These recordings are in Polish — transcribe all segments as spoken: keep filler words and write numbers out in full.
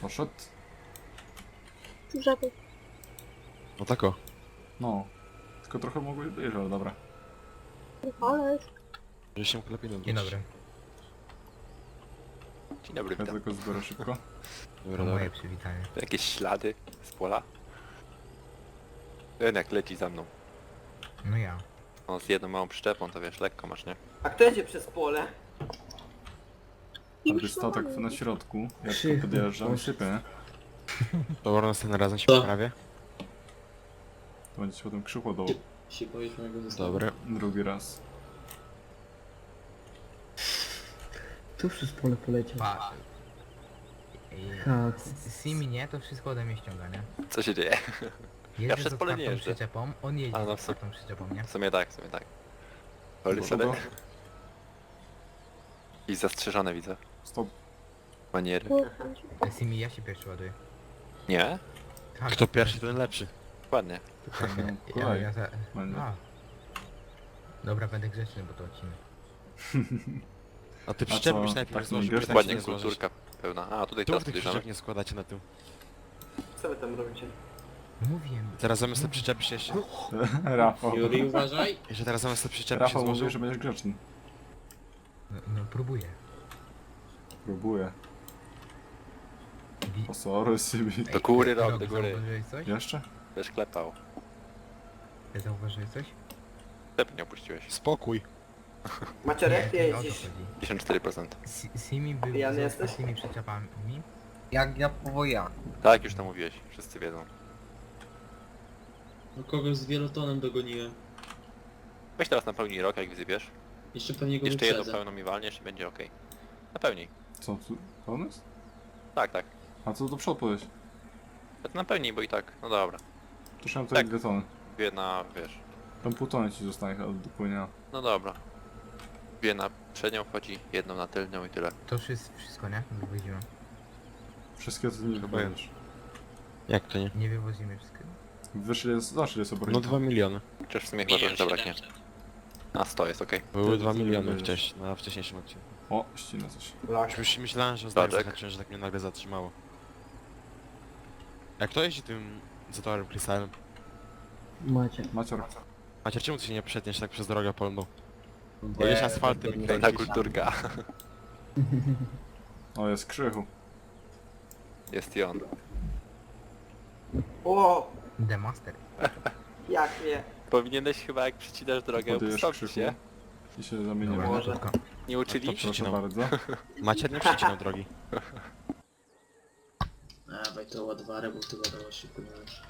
Poszedł? Żaby. No tak o. No. Tylko trochę mogłeś być, ale dobra. Ale Że się lepiej nie Dzień dobry. Dzień dobry, Ja witam. tylko zbiorę szybko. Dobra, To dobra. moje przywitanie. Jakieś ślady z pola? Ten jak leci za mną. No ja. On z jedną małą przyczepą, to wiesz, lekko masz, nie? A kto jedzie przez pole? Ale statek na środku, jak to Krzychu, podjeżdżam, poszedł. sypie, nie? Dobra, następnym razem się Co? poprawię. To będzie się potem krzyło do Się boisz mojego zestawu? Dobra. drugi raz. Tu przez pole poleciał. Pa... Ej, Ha, Simi nie, to wszystko ode mnie ściąga, nie? Co się dzieje? Jeżdżę przez z pole nie otwartą jeżdżę. przyczepą, on jeździ A, z no w sumie- otwartą przyczepą, nie? W sumie tak, w sumie tak. Holy Dobra. sobie. I zastrzeżone widzę. Stop. Maniery. Simi, ja się pierwszy ładuję. Nie? Tak, Kto pierwszy, ten lepszy. Ładnie. No, Ja, kolej. ja za... Będzie. A. Dobra, będę grzeczny, bo to odcinek. A ty co, przyczepy byś najpierw tak złożył, nie żeby grzeczny? tak się Ładnie, nie złożyć. kulturka pełna. A, tutaj Tu teraz tych podjeżdżamy. przyczep nie składacie na tył. Co wy tam robicie? Mówiłem. Teraz zamiast te przyczepy się jeszcze... Rafał. Juri, uważaj! Jeszcze teraz zamiast te przyczepy się Rafał złożył. mówi, że będziesz grzeczny. No, no próbuję. Próbuję. Wi- O sorry, Sybi. Do góry rok, Rok, do góry. Zauważyłeś coś? Jeszcze? Będziesz klepał. Zauważyłeś coś? Klep nie opuściłeś. Spokój. Maciorek, ty nie o to jeździsz. chodzi. pięćdziesiąt cztery procent. Si- Simi był Pijany z jesteś? otwartymi przyczepami. Jak ja powoja. Tak, już to mówiłeś. Wszyscy wiedzą. No kogoś z wielotonem dogoniłem. Weź teraz napełnij rok, jak wysypiesz. Jeszcze pewnie go Jeszcze jedną wyprzedzę. pełną mi walniesz i będzie okej. Napełnij. Co, tu pełny jest? Tak, tak. A co do przodu powiedz? To napełnij, bo i tak. No dobra. To trzeba Tak. tak. dwie tony. Dwie na, wiesz. Tam pół tony ci zostanie chyba do płynia. No dobra. Dwie na przednią wchodzi, jedną na tylnią i tyle. To wszystko, wszystko nie? Wywozimy. Wszystkie to nie Chyba wypowiesz. Jak to nie? Nie wywozimy wszystkiego. Wiesz ile jest, znaczy ile jest No obroników? dwa miliony. Chociaż w sumie chyba trochę zabraknie. A sto jest okej. Były Ty- dwa ty miliony wiesz. wcześniej, na wcześniejszym odcinku. O, ścina coś. Lak. Już myślałem, że zdaję Statek. zahaczyłem, że tak mnie nagle zatrzymało. Jak kto jeździ tym zatorem Krystalem? Macie. Macior. Macie, czemu ty się nie przetniesz tak przez drogę polną? Jedziesz asfaltem i Fajna kręcisz. kulturka. O, jest Krzychu. Jest i on. O, The Master. jak nie. Powinieneś chyba jak przycinasz drogę Podjesz opustoszyć Krzychu. się. I się zamienimy. Dobra, Może. szybko. Nie uczyli? to Proszę Przycinał. bardzo. Macie nie przecinał drogi. Dawaj to ładwarę, bo ty ładować szybko nie możesz.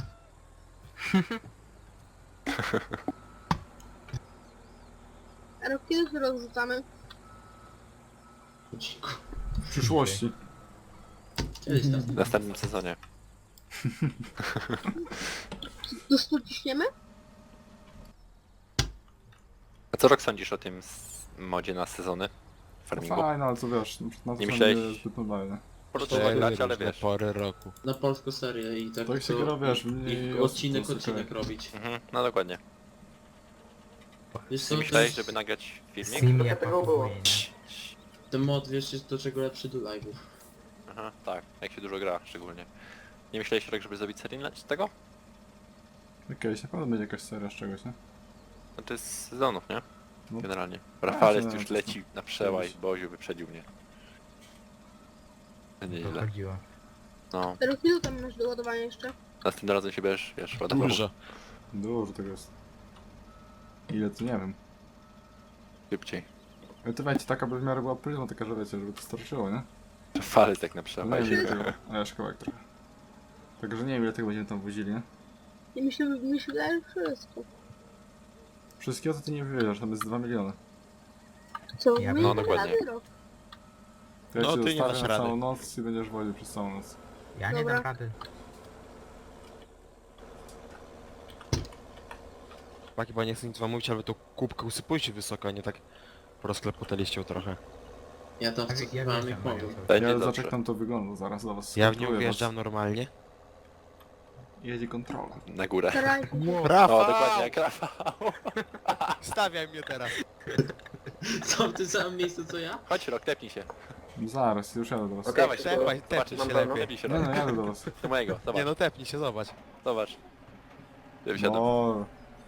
A rok kiedy wyrok rzucamy? Cicho. W przyszłości. Kiedyś tam. W następnym sezonie. Do stu ciśniemy? A co rok sądzisz o tym s- modzie na sezony? No Farmingu? fajne, ale co wiesz, na to Nie nie myślałeś- myślałeś... zbyt normalne. Można grać, ale różne wiesz. pory roku. Na polską serię i tak To jak się gra, wiesz, mniej i osób odcinek, to odcinek zwykle. robić. Mhm, no dokładnie. Wiesz co, Ty to myślałeś, jest- żeby nagrać filmik? Simi jak tego było. pakuje, nie? ten mod, wiesz, jest do czego lepszy do live'ów. Aha, tak, jak się dużo gra szczególnie. Nie myślałeś rok, żeby zrobić serię z tego? Okej, na pewno będzie jakaś seria z czegoś, nie? No to jest z sezonów, nie? No. Generalnie. Rafales no, już to- leci na przełaj, Kiedyś. Boziu wyprzedził mnie. To Nieźle. chodziło. No, A rok ile tam masz do ładowania jeszcze? następnym razem się będziesz, wiesz, ładował. Dużo. Dużo tego jest. Ile to nie wiem. Szybciej. Ale to wiecie, taka by w miarę była pryzma, taka, że wiecie, żeby to starczyło, nie? Rafales tak na No nie przełaj. wiem ile tego, a ja szkołek trochę. Także nie wiem ile tego będziemy tam wozili, nie? I myślę, myślę, że wszystko. Wszystkiego to ty nie wywiedziesz, tam jest dwa miliony. Co? Ja- My no, nie damy dokładnie. rady, rok. To ja No, cię ty nie zostawię dasz na rady. całą noc i będziesz woził przez całą noc. Ja nie Dobra. dam rady. Chłopaki, bo nie chcę nic wam mówić, ale to kubkę usypujcie wysoko, a nie tak rozklepotaliście trochę. Ja tam Tak, ja wcofywałem jak wjeżdżam, mogłem. Mario, Będzie Ja dobrze. zobacz jak tam to wygląda, zaraz do was Ja w nią skontroluję wjeżdżam was. normalnie. Jedzie kontrola. Na górę. Staraj. Rafał! O, dokładnie jak Rafał. Stawiaj mnie teraz. Co w tym samym miejscu co ja? Chodź rok, tepnij się. Zaraz, już jadę do was. Okej, Dawaj, szybko. tepaj, tepnij zobaczysz się się lepiej. lepiej. Tepnij się Nie no, lepiej. jadę do was. Do mojego, zobacz, Nie no, tepnij się, zobacz. zobacz. Ja wsiadam, No.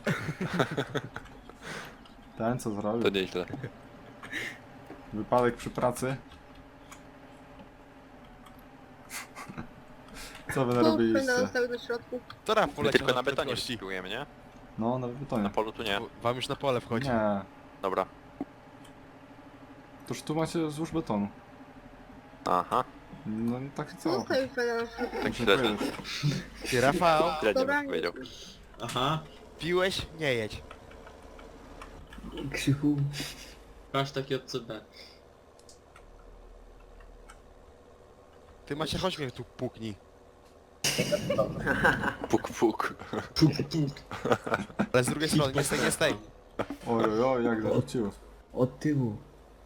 Ten co to zrobił? nieźle. Wypadek przy pracy. Co wy Tu będę narobiliście? zostały do środku. To Raf My poleciał tylko na betonie prędkości. wyspróbujemy, nie? No, na betonie. Na polu tu nie. Wam już na pole wchodzi. Nie. Dobra. Toż tu macie złóż betonu. Aha, No i tak i co? Zostawił fajna na środku. tak Dziękuję. średnio. Ty Rafał, Średnio Dobra, bym powiedział. Aha. piłeś? Nie jedź. Krzychu. Masz taki od C B. Ty Macie, chodź mnie tu puknij. Puk, puk. Puk, puk. Ale z drugiej strony, nie stej, nie stej. Oj, oj, oj, jak zarzuciło. Od tyłu.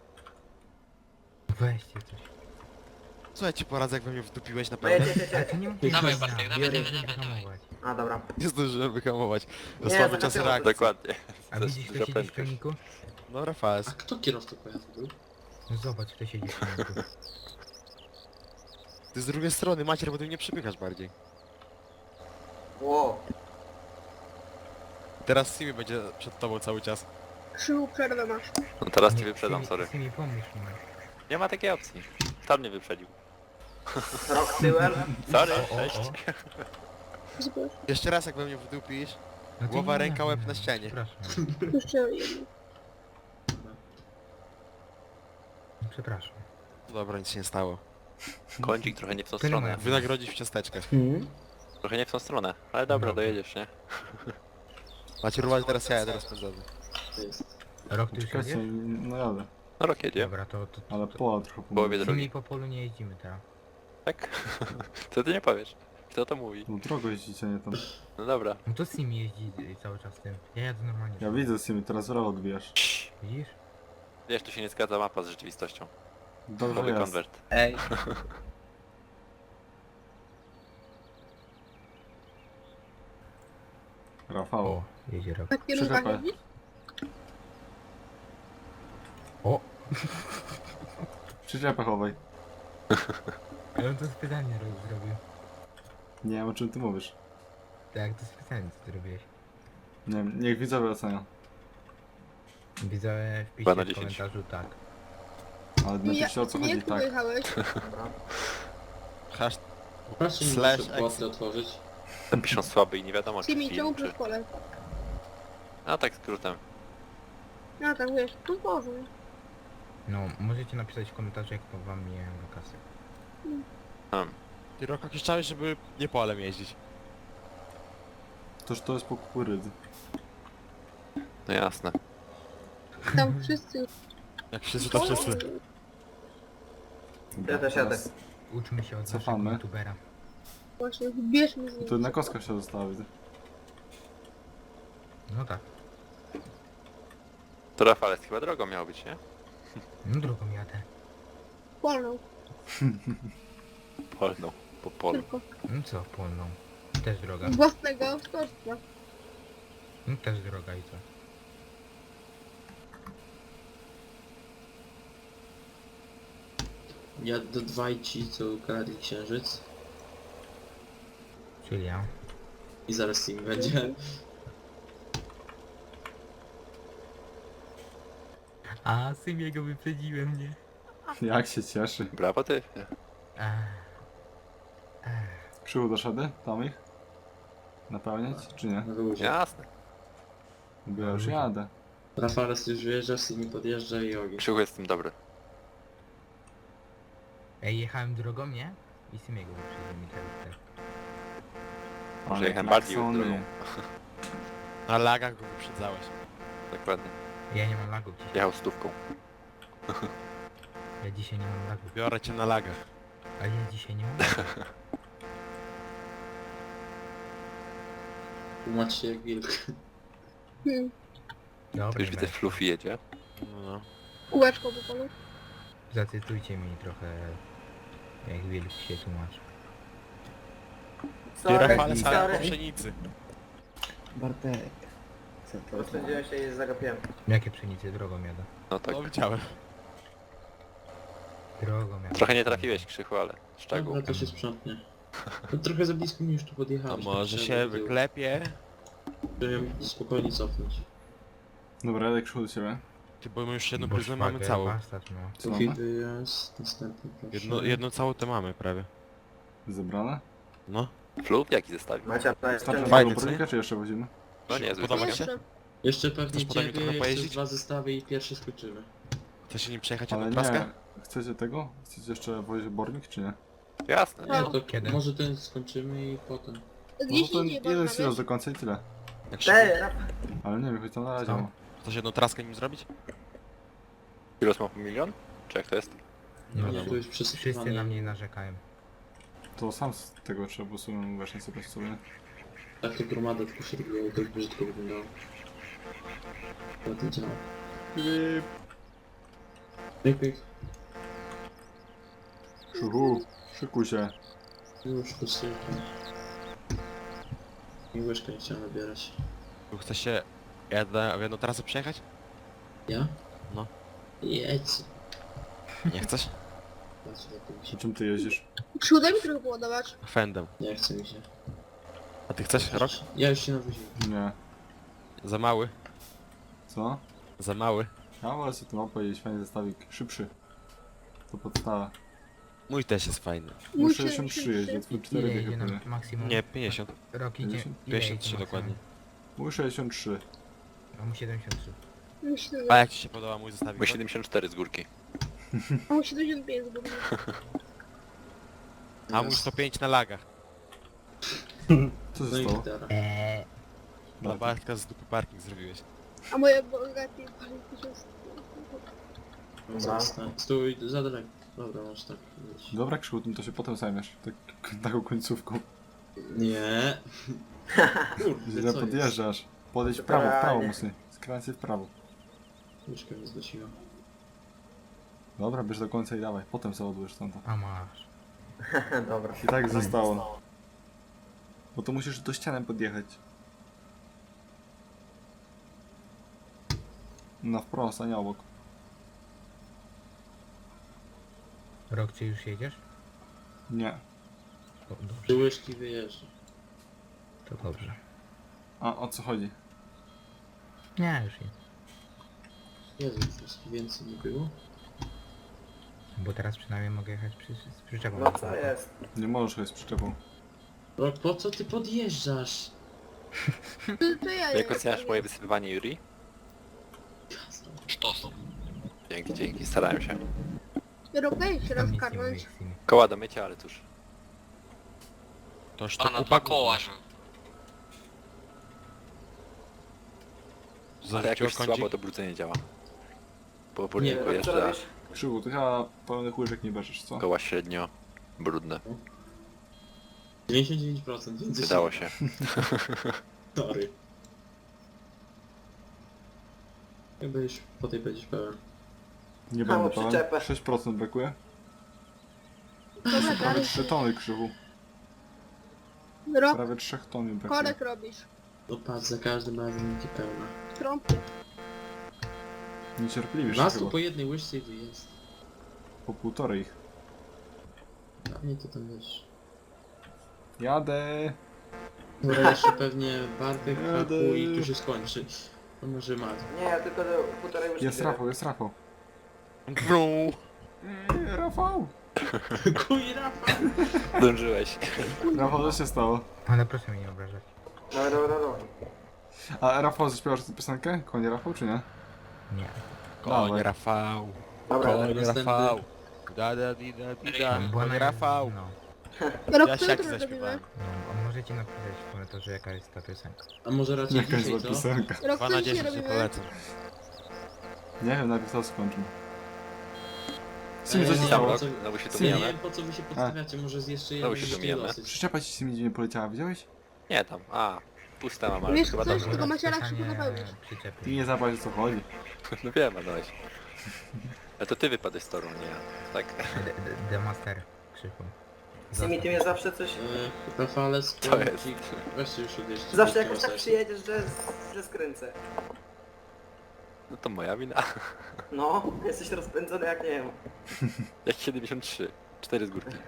Weźcie coś. Co ja ci poradzę, jak we mnie wdupiłeś na No jedź, pełne? jedź, jedź, Ale jedź. to nie mów Dawaj, tak, Bartek, dawaj, biorę dawaj, i dawaj, hamować. A dobra. Nie zdążyłem wyhamować. Za Nie, słaby tak czas na tył. reakcji. Dokładnie. A To jest widzisz, duża kto siedzi w prędkość. silniku? No A Rafales. kto kierowcą pojazdu był? No zobacz, kto siedzi w silniku. Ty z drugiej strony, Macier, bo ty mnie przepychasz bardziej. Ło. Teraz Simi będzie przed tobą cały czas. Krzychu, przerwę masz. No teraz ci Nie, wyprzedam, Simi- sorry. Simi, pomóż mi. Nie ma takiej opcji. Tam mnie wyprzedził. Rok tyłem. Sorry, O, o, cześć. o. Zobacz. Jeszcze raz jak we mnie wdupisz. No ty Głowa, nie, ręka, nie, łeb nie, na ścianie. Przepraszam. Jeszcze jedno. Przepraszam. Dobra, nic się nie stało. Kącik trochę nie w tą Tyle stronę. mają. Wynagrodzić w ciasteczkach. Hmm? Trochę nie w tą stronę. Ale dobra, Dobra. dojedziesz, nie? Macie ruwać teraz ja, ja teraz pędzony. To jest. Rok ty już Czekajcie, jedziesz? no jadę. No rok jedzie. Dobra, to... to, to Ale to pola trochę W połowie pomogę. drogi. Simi po polu nie jeździmy teraz. Tak? Co ty nie powiesz? Kto to mówi? No drogo jeździcie, nie tam. No dobra. No to Simi jeździ cały czas tym. Ja jadę normalnie. Ja widzę z nimi, teraz w rowo odbijasz. Widzisz? Wiesz, tu się nie zgadza mapa z rzeczywistością. Dobrze Nowy jest. konwert. Ej. Rafał. O, jedzie rok. Na kierunkach Przyczepę. jeździsz? O! Przyczepę chowaj. Ale on to specjalnie ro- zrobił. Nie wiem o czym ty mówisz. Tak, to specjalnie co zrobiłeś. Nie wiem, niech widzowie ocenią. Widzę w Dwa na pisie w dziesięć. komentarzu tak. Ale Nie, napiszcie o co nie, chodzi, jak tu tak. wyjechałeś? Hasz... Proszę mi Slash muszę płatę otworzyć. Tam piszą słaby i nie wiadomo czy Simi, czemu film, przez czy... pole? A tak skrótem. No tak, wiesz, tu Boże. No, możecie napisać w komentarzu jak to wam mijają wakacje. Hmm. Ty rok jakiś czas, żeby nie polem jeździć. Toż to jest po kukurydzy. No jasne. Tam wszyscy... Jak wszyscy to wszyscy. Dobra, Jadę, jadę. teraz- Uczmy się od Cofamy. naszego youtubera. Właśnie, bierzmy z nim. Tu na kostkach się zostawi. No tak. To Rafales chyba drogą miał być, nie? No drugą jadę. Polną, Polną. Po polu. tylko. No co, polną. Też droga. Z własnego autorstwa. No też droga i co? Ja do dwaj ci, co ukradli księżyc. Czyli ja. I zaraz im będzie. A, Simiego wyprzedziłem, nie? Jak się cieszy. Brawo ty. Ech. Ech. Krzywu doszedy? Tam ich? Napełniać, czy nie? Na luzie. Jasne. Bo ja już jadę. Rafales już wjeżdża, Simi podjeżdża i ogień. Krzychu jest w tym dobry. Ej, jechałem drogą, nie? I Simiego wyprzedziłem i teraz tak. Może Ale jechałem bardziej klaksony. drogą. Na lagach go wyprzedzałeś. Dokładnie. Ja nie mam lagów dzisiaj. Jechał stówką. Ja dzisiaj nie mam lagów. Biorę cię na lagach. A ja dzisiaj nie mam. Tłumacz się jak wilk. Hmm. Dobra, Już nie widzę będę. Fluffy jedzie. No. Kółeczko po polu. Zacytujcie mi trochę, jak wilk się tłumaczy. Ty Sorry, Rafales, ale po sorry. pszenicy. Bartek. Co to? Rozpędziłem się i zagapiłem. Jakie pszenicy drogą jadę? No tak. No widziałem. Drogą miałem. Trochę nie trafiłeś, Krzychu, ale szczegół. Dobra, to się sprzątnie. No, trochę za blisko mi już tu A podjechałeś. może tak się trzeba było wyklepie? tyłu, żeby spokojnie cofnąć. Dobra, jadę krzyku do ciebie. Ty, bo my już jedną Bo pryzmę mamy szwagier, całą. bastard, no. Co Drugi mamy? wyjazd, następny proszę. Jedno, jedną całą to mamy prawie. Zebrane? No. Flub? Jaki zestawił? Macie na Starczy Fajny, tego co nie? burnika, czy jeszcze wozimy? No nie, zły Podoba ci zestaw. się? Jeszcze pewnie Chcesz potem mi ciebie, trochę jeszcze pojeździć? dwa zestawy i pierwszy skończymy. Chce się nim przejechać Ale jedną nie. praskę? Chcecie tego? Chcecie jeszcze wozić bornik, czy nie? Jasne. Nie, No. to Kiedy? może ten skończymy i potem. No Gdzieś to indziej jeden można, silos wiesz? do końca i tyle. Jak się... Ej, rap. Ale nie wiem, choć tam na razie Co? ma. Chcesz jedną traskę nim zrobić? Kilos ma po milion? Czy jak to jest? Nie Nie, wiadomo. to już Wszyscy na przesypane. mnie narzekają. To sam z tego trzeba, bo sobie właśnie sobie sobie. Tak to gromada tylko się robiło, to brzydko wyglądało. To to działa. Pyk, pyk. Krzychu, szykuj się. Już to sypam. I łyżkę nie chciałem nabierać. Tu Chcesz się jedna, w jedną trasę przejechać? Ja? No. Jedź. Nie chcesz? Patrz, lepiej mi Przy się. czym ty jeździsz? Przódem mi trochę poładować. Fendem. Nie chce mi się. A ty chcesz rok? Ja już się nawoziłem. Nie. Za mały. Co? Za mały. Ja wolę sobie tym opowiedzieć, fajny zestawik. Szybszy. To podstawa. Mój też jest fajny. Mój Mój sześćdziesiąt trzy jeździ, twój Ile cztery idzie dychy na pewnie. maksimum? Nie, pięćdziesiąt. Rok idzie... pięćdziesiąt? ile pięćdziesiąt trzy idzie dokładnie. Mój sześćdziesiąt trzy. maksimum? A mu siedemdziesiąt trzy. Myślę, A jak ci się podoba mój zestawik? Mój siedemdziesiąt cztery z górki. a mu siedemdziesiąt pięć zgubił. A mój sto pięć na lagach. Co No się i stało? gitara. Eee, Dla Bartka z dupy parking zrobiłeś. A moje bogaty pali tysiąc. Dobra. Zostań. Stój, za daleko. Dobra, masz tak. Jedź. Dobra Krzychu, tym to się potem zajmiesz. Tak, taką końcówką. Nie. Kurde, Źle co jest? podjeżdżasz. Podejdź w prawo, w prawo Spokojnie. mocniej. Skręcaj w prawo. Łyżkę mi zgasiła. Dobra, bierz do końca i dawaj. Potem załadujesz tam to. a masz. Dobra. I tak zostało. Bo to musisz do ściany podjechać. Na wprost, a nie obok. Rok, czy już jedziesz? Nie. O, dobrze, Trzy łyżki wyjeżdża. to dobrze. A o co chodzi? Nie, już nie. Jezu, łyżki więcej nie było. Bo teraz przynajmniej mogę jechać przy, z przyczepą. No co jest? Nie możesz jechać z przyczepą. Rok, po co ty podjeżdżasz? To, to ja Jak nie oceniasz wiem. moje wysypywanie Yuri? Sztos. Dzięki, dzięki, starałem się. Rok daj się Tam nic nie rozkarnąć. mówię z tymi. Koła do mycia, ale cóż. Toż to kupa koła, że... Ale Zarzuciło jakoś kącik? słabo to brudzenie działa. Bo Nie, powoli Co pojeżdża, robisz? Krzychu, ty chyba pełnych łyżek nie bierzesz, co? koła średnio brudne. dziewięćdziesiąt dziewięć procent więcej. Wydało się. Sorry. Chyba już po tej będziesz pełen. Nie Mało będę pełen. przyczepę. sześć procent brakuje. Dobra, Prawie dalej. trzy tony Krzychu. Rok, Prawie trzech ton mi brakuje. korek robisz. No patrz, za każdym razem będzie pełna. Trąbkę. Niecierpliwisz się Raz tu chyba. po jednej łyżce i wyjazd. Po półtorej ich. Dla mnie to tam wiesz. Jadę. Dobra, jeszcze pewnie Bartek, Jadę. Haku i tu się skończy. No może Mat. Nie, ja tylko do półtorej łyżki. Jest biorę. Rafał, jest Rafał. Brum. Eee, Rafał! Kuj Rafał! Dążyłeś. Rafał, co się stało? Ale proszę mnie nie obrażać. Dobra, dobra, dobra. A Rafał zaśpiewasz tę piosenkę? Konie Rafał, czy nie? Nie. Koń Dawaj. Rafał. Dobra, Koń następny. Rafał. Da da di da di da. Była Koń na- Rafał. No. Rok, Ja co siaki jutro robimy? zaśpiewałem. No, a możecie napisać w komentarzu jaka jest ta piosenka. A może raczej Jakaś dzisiaj, zła co? piosenka. Rok, dwa co na dzisiaj dziesięć się robimy? polecam. Nie wiem, najpierw to skończę. Ej, Sim, coś się nie, stało. po co- Znowu się tu Sim. Nie mijamy? wiem po co wy się podstawiacie, może z jeszcze Znowu jednej się łyżki domijamy. dosyć. Przyczepa ci z nimi nie poleciała, widziałeś? Nie tam. A, pusta mam, ale Wiesz chyba coś? dobrze. Tylko macie rak Pisanie szybko napełnić. przyczepy. Ty nie zapałeś o co chodzi. No wiem, Adaś. Ale to ty wypadłeś z toru, nie ja. Tak. D- d- The Master Krzychu. Simi, ty mnie zawsze coś... E, Rafale, To jest. Weźcie już odjeżdżać. Zawsze jakoś tak przyjedziesz, że, że skręcę. No to moja wina. No, jesteś rozpędzony jak nie wiem. Jak siedemdziesiąt trzy. cztery z górki.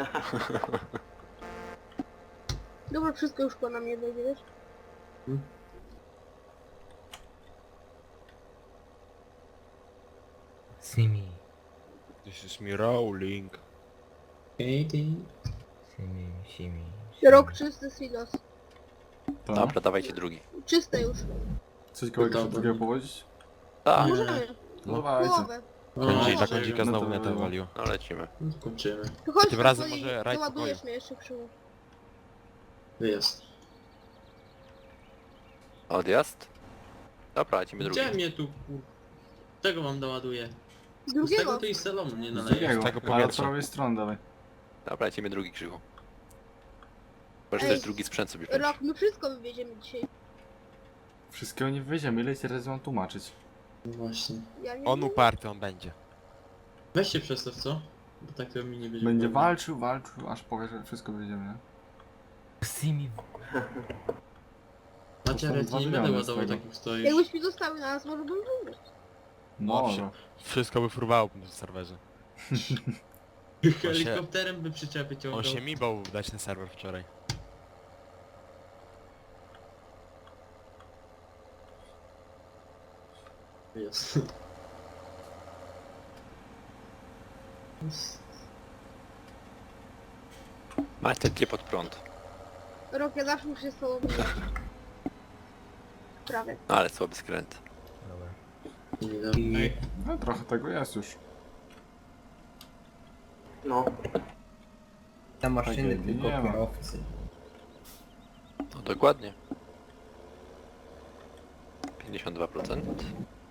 Dobra, wszystko już po na mnie będzie, wiesz? Simi. This is me rolling. Ej, ty. Simi, simi. Rok czysty silos. To? Dobra, dawajcie drugi. Czyste już. Coś kogoś Dobra. drugiego powodzić? Tak, Nie. Możemy. No dawajcie. Połowę. Będzie i No, tak czego? dzika znowu No to netę było. walił. no lecimy. No, kończymy. To chodź, Tym razem to i może rajd załadujesz pokoju. mnie jeszcze krzywu. Wyjazd. Odjazd? Dobra, lecimy drugi. Gdzie mnie tu kur... Czego wam doładuję? Z tego Drugiego. to i z salonu nie Z naleje. drugiego, tego ale od powietrza. prawej strony dawaj. Dobra, lecimy drugi krzyku. Możesz Ej, też drugi sprzęt sobie wziąć. Rok, my wszystko wywieziemy dzisiaj. Wszystkiego nie wywieziemy, ile ci razy mam tłumaczyć? No właśnie. Ja nie On wiem. uparty, on będzie. Weź się przestaw, co? Bo tak to mi nie będzie. Będzie wolno. walczył, walczył, aż powie, że wszystko wywieziemy, nie? Simi. Macie, dwa ja nie miliony będę z ładował tego. takich stoisz. Jakbyś mi zostały na nas, może bym wygrać. No, Owszem. no. Wszystko by furwało na serwerze. Helikopterem by przyczepy ciągnął. On się mi bał dać na serwer wczoraj. Jest. Macie tlie pod prąd. Rok, ja zawsze muszę się z tobą wygrać. Prawie. No ale słaby skręt. Dobra. Nie dobra. Ej, No trochę tego jest już. No. Na maszyny Takiej tylko nie ma. kierowcy. No dokładnie. pięćdziesiąt dwa procent.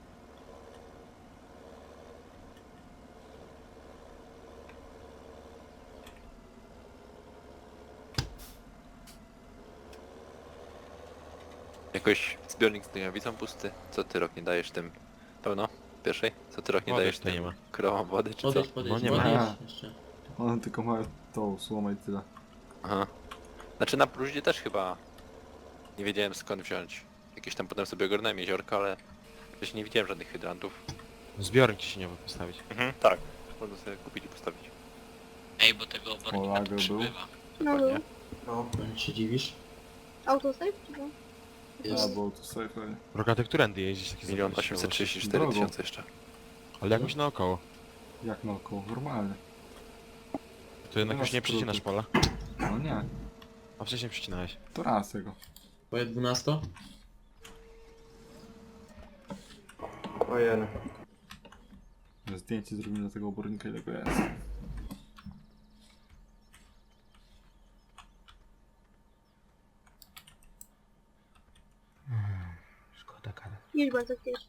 Jakoś zbiornik z dynamicą pusty. Co ty rok nie dajesz tym? Pełno? Pierwszej? Co ty rok nie Wody dajesz tutaj tym nie ma. krowom wody czy co? Podejdź, podejdź, No nie ma. podejdź jeszcze. One tylko mają tą słomę i tyle. Aha. Znaczy na próżnie też chyba nie wiedziałem skąd wziąć. Jakieś tam potem sobie ogarnąłem jeziorka, ale wcześniej nie widziałem żadnych hydrantów. Zbiornik ci się nie mógł postawić. Mhm, tak. Można sobie kupić i postawić. Ej, bo tego obornika Olago tu był. przybywa. No Dokładnie. był. No. Powiem, się dziwisz? Autosave czy co? Jest. Albo tu sobie pewnie. Rogaty, którędy jeździć takie Milion zapowiedzi osiemset trzydzieści cztery Drogą. tysiące jeszcze. Ale jakoś naokoło. Jak naokoło, normalnie. To jednak Nie już ma nie przycinasz pola. No nie, A wcześniej przycinałeś. to raz tego. Twoje dwunasto? Ojej. Zdjęcie zrobimy do tego obornika, ile go jest. Szkoda kara. Jedź bardzo kiedyś.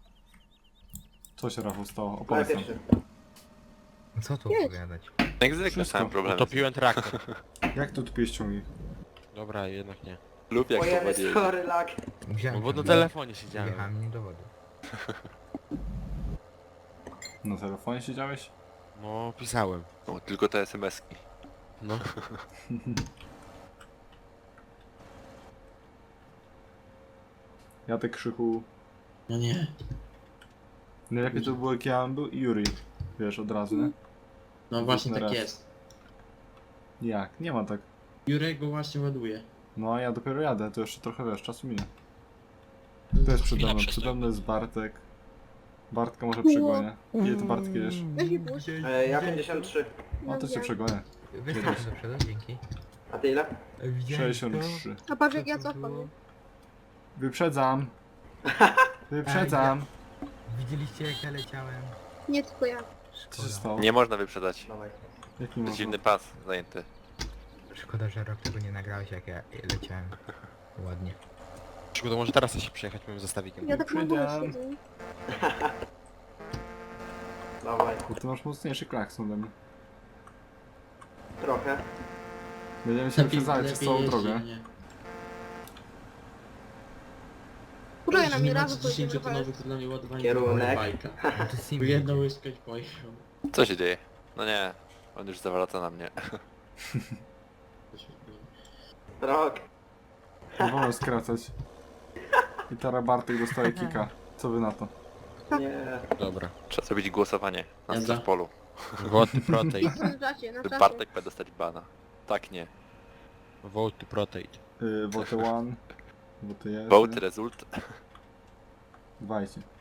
Co się Rafał stało? Ale Opowiedz nam. pierwszy. No co tu Jedź. opowiadać? Jak zwykle Wszystko. sam problem. Utopiłem traktor. Jak tu tupiłeś ciągnik? Dobra, jednak nie. Lub jak Ojej, powodzie. sorry, lag. No Wziąłem bo na tam- telefonie siedziałem. Wjechałem nim do wody. Na telefonie siedziałeś? No, pisałem. No, tylko te es em eski. No. Ja tak krzyku... No nie. Najlepiej to było jak ja był i Yuri. Wiesz, od razu, nie? No właśnie na tak raz. jest. Jak? Nie ma tak. Jurek go właśnie ładuje. No a ja dopiero jadę, to jeszcze trochę wiesz, czasu minie. To jest przede mną, przede mną jest Bartek. Bartka może przegonię. Ile ty Bartek jedziesz? Weź mi puść. E, ja pięćdziesiąt trzy. O, to cię przegonię. Wystarczy do przodu, dzięki. A ty ile? sześćdziesiąt trzy. A patrz jak ja cofam, nie? Wyprzedzam. Wyprzedzam. Widzieliście jak ja leciałem? Nie tylko ja. Co się Szkoda. stało? Nie można wyprzedać. Dawaj. Jak nie To jest można? dziwny pas zajęty. Szkoda, że rok tego nie nagrałeś jak ja leciałem. Ładnie. Szkoda, może teraz się przejechać moim zestawikiem. Ja tak na górze Przyjdę. siedzę. Dawaj. Bo ty masz mocniejszy klakson ode mnie. Trochę. Będziemy się wyprzedzali przez całą jeździ, drogę. nie? Kuruję na mnie Nie razu macie pojedziemy dziesięciotonowych to dla mnie ładowanie Kierunek. bajka. No to Bo Simi. jedna łyska i pojechał. Co się dzieje? No nie. On już zawraca na mnie. Rok. Nie wolno skracać. I teraz Bartek dostaje kika. Co wy na to? Nie. Dobra. Trzeba zrobić głosowanie na Jadza. polu. Vote to protect. Na czasie, na czasie. Bartek ma dostać bana. Tak nie. Vote to protect. Yy, vote one. Vote jeden. Vote result. Dwajcie.